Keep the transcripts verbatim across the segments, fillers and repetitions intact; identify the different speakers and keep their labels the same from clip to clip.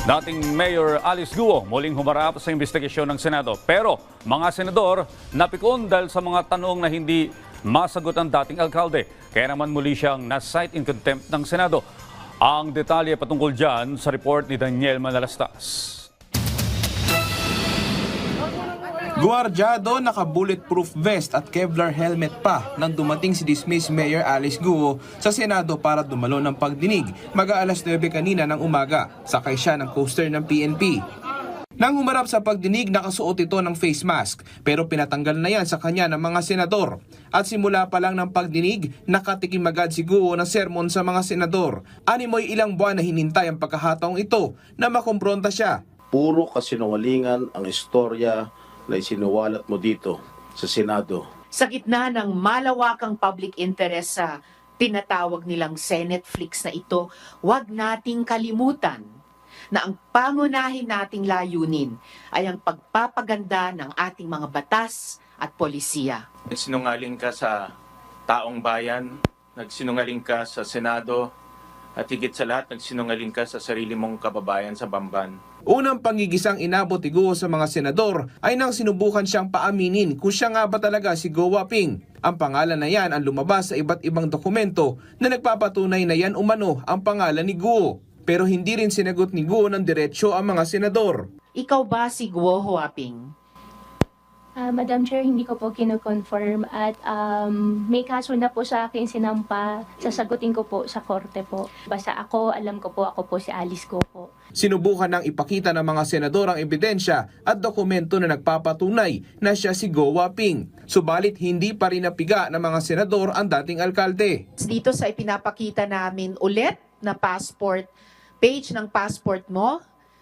Speaker 1: Dating Mayor Alice Guo muling humarap sa investigasyon ng Senado. Pero mga senador napikon dahil sa mga tanong na hindi masagot ang dating alkalde. Kaya naman muli siyang na-cite in contempt ng Senado. Ang detalye patungkol dyan sa report ni Daniel Manalastas.
Speaker 2: Guardiado, naka-bulletproof vest at Kevlar helmet pa nang dumating si dismissed Mayor Alice Guo sa Senado para dumalo ng pagdinig mag-aalas nuwebe kanina ng umaga. Sakay siya ng coaster ng P N P. Nang humarap sa pagdinig, nakasuot ito ng face mask pero pinatanggal na yan sa kanya ng mga senador. At simula pa lang ng pagdinig, nakatikim agad si Guo ng sermon sa mga senador. Animoy ilang buwan na hinintay ang pagkakataong ito na makompronta siya.
Speaker 3: Puro kasinungalingan ang istorya na isinuwalat mo dito sa Senado.
Speaker 4: Sa gitna ng malawakang public interest sa tinatawag nilang Senate Flix na ito, huwag nating kalimutan na ang pangunahin nating layunin ay ang pagpapaganda ng ating mga batas at polisiya.
Speaker 5: Nagsinungaling ka sa taong bayan, nagsinungaling ka sa Senado, at higit sa lahat, nagsinungaling ka sa sarili mong kababayan sa Bamban.
Speaker 2: Unang pangigisang inabot ni Guo sa mga senador ay nang sinubukan siyang paaminin kung siya nga ba talaga si Guo Waping. Ang pangalan na yan ang lumabas sa iba't ibang dokumento na nagpapatunay na yan umano ang pangalan ni Guo. Pero hindi rin sinagot ni Guo ng diretsyo ang mga senador.
Speaker 4: Ikaw ba si Guo Huaping?
Speaker 6: Uh, Madam Chair, hindi ko po kino-confirm at um, may kaso na po sa akin sinampa. Sasagutin ko po sa korte po. Basta ako, alam ko po, ako po si Alice Guo po.
Speaker 2: Sinubukan ng ipakita ng mga senador ang ebidensya at dokumento na nagpapatunay na siya si Guo Waping. Subalit hindi pa rin napiga ng mga senador ang dating alkalde.
Speaker 4: Dito sa ipinapakita namin ulit na passport, page ng passport mo,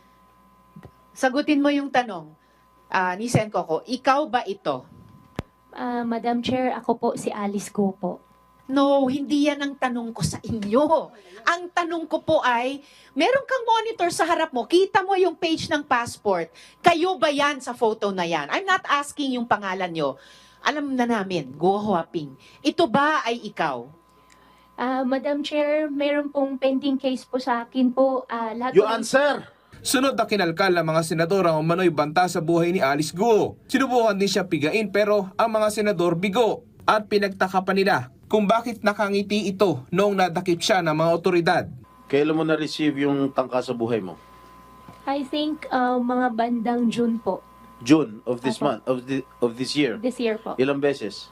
Speaker 4: sagutin mo yung tanong. Uh, ni Sen Coco, ikaw ba ito?
Speaker 6: Uh, Madam Chair, ako po si Alice Guo po.
Speaker 4: No, hindi yan ang tanong ko sa inyo. Ang tanong ko po ay, meron kang monitor sa harap mo, kita mo yung page ng passport. Kayo ba yan sa photo na yan? I'm not asking yung pangalan nyo. Alam na namin, Guo Huaping. Ito ba ay ikaw?
Speaker 6: Uh, Madam Chair, meron pong pending case po sa akin po. Uh, lahat
Speaker 3: You
Speaker 6: po-
Speaker 3: answer!
Speaker 2: Sunod na kinalkal ng mga senador ang umano'y banta sa buhay ni Alice Guo. Sinubukan din siya pigain pero ang mga senador bigo at pinagtaka pa nila kung bakit nakangiti ito noong nadakip siya ng mga otoridad.
Speaker 3: Kailan mo na-receive yung tangka sa buhay mo?
Speaker 6: I think uh, mga bandang June po.
Speaker 3: June of this
Speaker 6: Apo.
Speaker 3: month, of, the, of this year.
Speaker 6: This year po.
Speaker 3: Ilang beses?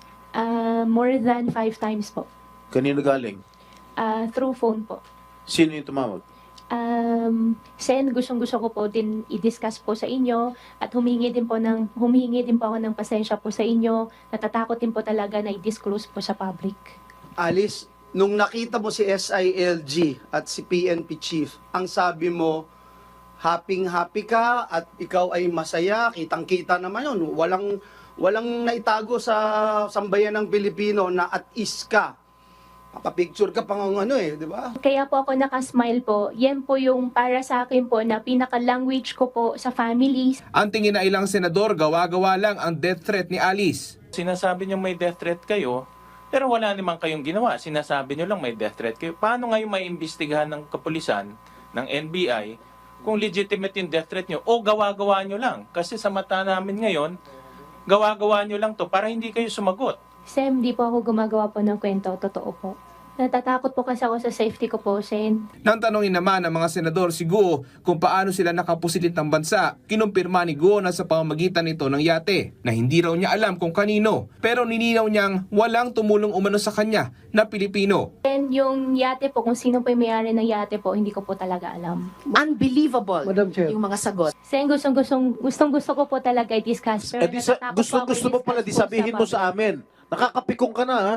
Speaker 6: Uh, more than five times po.
Speaker 3: Kanino galing?
Speaker 6: Uh, through phone po.
Speaker 3: Sino yung tumawag?
Speaker 6: Um, Sen, gustong-gusto ko po din i-discuss po sa inyo at humingi din po ng humingi din po ako ng pasensya po sa inyo. Natatakot din po talaga na i-disclose po sa public.
Speaker 7: Alice, nung nakita mo si S I L G at si P N P chief, ang sabi mo, happy-happy ka at ikaw ay masaya, kitang-kita naman yun. Walang, walang naitago sa sambayan ng Pilipino na at is ka. Papapicture ka pang ano eh, di ba?
Speaker 6: Kaya po ako nakasmile po. Yan po yung para sa akin po na pinaka-language ko po sa families.
Speaker 2: Ang tingin na ilang senador gawa-gawa lang ang death threat ni Alice.
Speaker 5: Sinasabi niyo may death threat kayo, pero wala naman kayong ginawa. Sinasabi niyo lang may death threat kayo. Paano ngayon may imbestigahan ng kapulisan, ng N B I, kung legitimate yung death threat niyo o gawa-gawa niyo lang? Kasi sa mata namin ngayon, gawa-gawa niyo lang to para hindi kayo sumagot.
Speaker 6: Sem, di po ako gumagawa po ng kwento. Totoo po. Natatakot po kasi ako sa safety ko po, Sen.
Speaker 2: Nang tanongin naman ng mga senador si Guo kung paano sila nakapusilit ng bansa, kinumpirma ni Guo na sa pamamagitan nito ng yate na hindi raw niya alam kung kanino. Pero nilinaw niyang walang tumulong umano sa kanya na Pilipino.
Speaker 6: And yung yate po, kung sino po yung may-ari ng yate po, hindi ko po talaga alam.
Speaker 4: Unbelievable
Speaker 7: Madam Chair.
Speaker 4: yung mga sagot.
Speaker 6: Sen, gustong, gustong, gustong gusto ko po talaga i-discuss. Pero
Speaker 3: Eh, di sa,
Speaker 6: natatakot
Speaker 3: gusto,
Speaker 6: po ako
Speaker 3: gusto mo pala, di
Speaker 6: i-discuss po
Speaker 3: sabihin mo
Speaker 6: public.
Speaker 3: sa amin. Nakakapikong ka na, ha?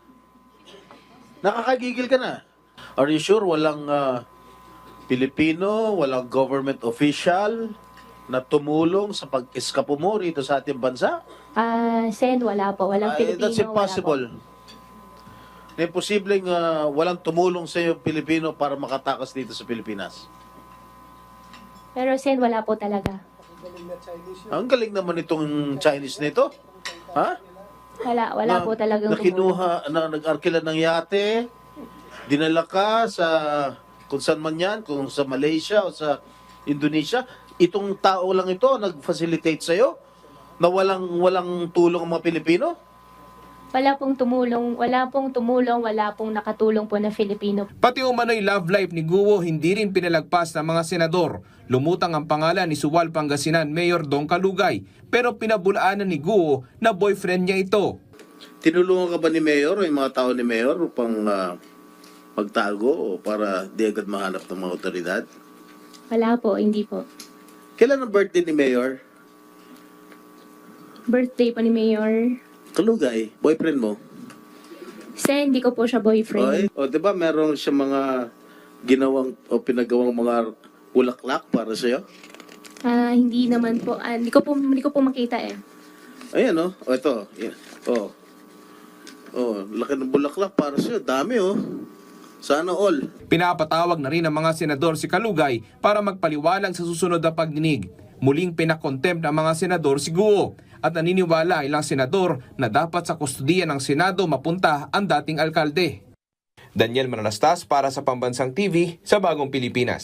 Speaker 3: Nakakagigil ka na. Are you sure walang ah, Pilipino, walang government official na tumulong sa pag-eskapo mo rito sa ating bansa?
Speaker 6: Ah, Sen, wala po. Walang
Speaker 3: Ay,
Speaker 6: Pilipino.
Speaker 3: that's impossible. Na imposibleng ah, walang tumulong sa iyo Pilipino para makatakas dito sa Pilipinas.
Speaker 6: Wala po. Pero Sen, wala po talaga.
Speaker 3: Ang galing naman itong Chinese nito. Ha?
Speaker 6: Wala, wala
Speaker 3: Na-
Speaker 6: po talagang
Speaker 3: na kinuha, na nag-arkila ng yate, dinala ka sa kung saan man yan, kung sa Malaysia o sa Indonesia, itong tao lang ito nag-facilitate sa'yo na walang, walang tulong ang mga Pilipino?
Speaker 6: Wala pong tumulong, wala pong tumulong, wala pong nakatulong po na Filipino.
Speaker 2: Pati umano'y love life ni Guo hindi rin pinalagpas ng mga senador. Lumutang ang pangalan ni Suwal Pangasinan Mayor Dong Kalugay, pero pinabulaanan ni Guo na boyfriend niya ito.
Speaker 3: Tinulungan ka ba ni Mayor o yung mga tao ni Mayor upang ah, magtago o para di agad mahanap ng mga otoridad?
Speaker 6: Wala po, hindi po.
Speaker 3: Kailan ang birthday ni Mayor?
Speaker 6: Birthday po ni Mayor.
Speaker 3: Kalugay, boyfriend mo?
Speaker 6: Kasi hindi ko po siya boyfriend.
Speaker 3: Oy, o di ba meron siya mga ginawang o pinagawang mga bulaklak para sa'yo?
Speaker 6: Ah, hindi naman po. Ah, hindi ko po hindi ko po makita eh.
Speaker 3: Ayan o, o ito. Yan. O. O, laki ng bulaklak para sa'yo. Dami o. Sana all.
Speaker 2: Pinapatawag na rin ng mga senador si Kalugay para magpaliwalag sa susunod na pagdinig. Muling pinakontempt ng mga senador si Guo at naniniwala ilang senador na dapat sa kustudiya ng Senado mapunta ang dating alkalde. Daniel Manalastas para sa Pambansang T V sa Bagong Pilipinas.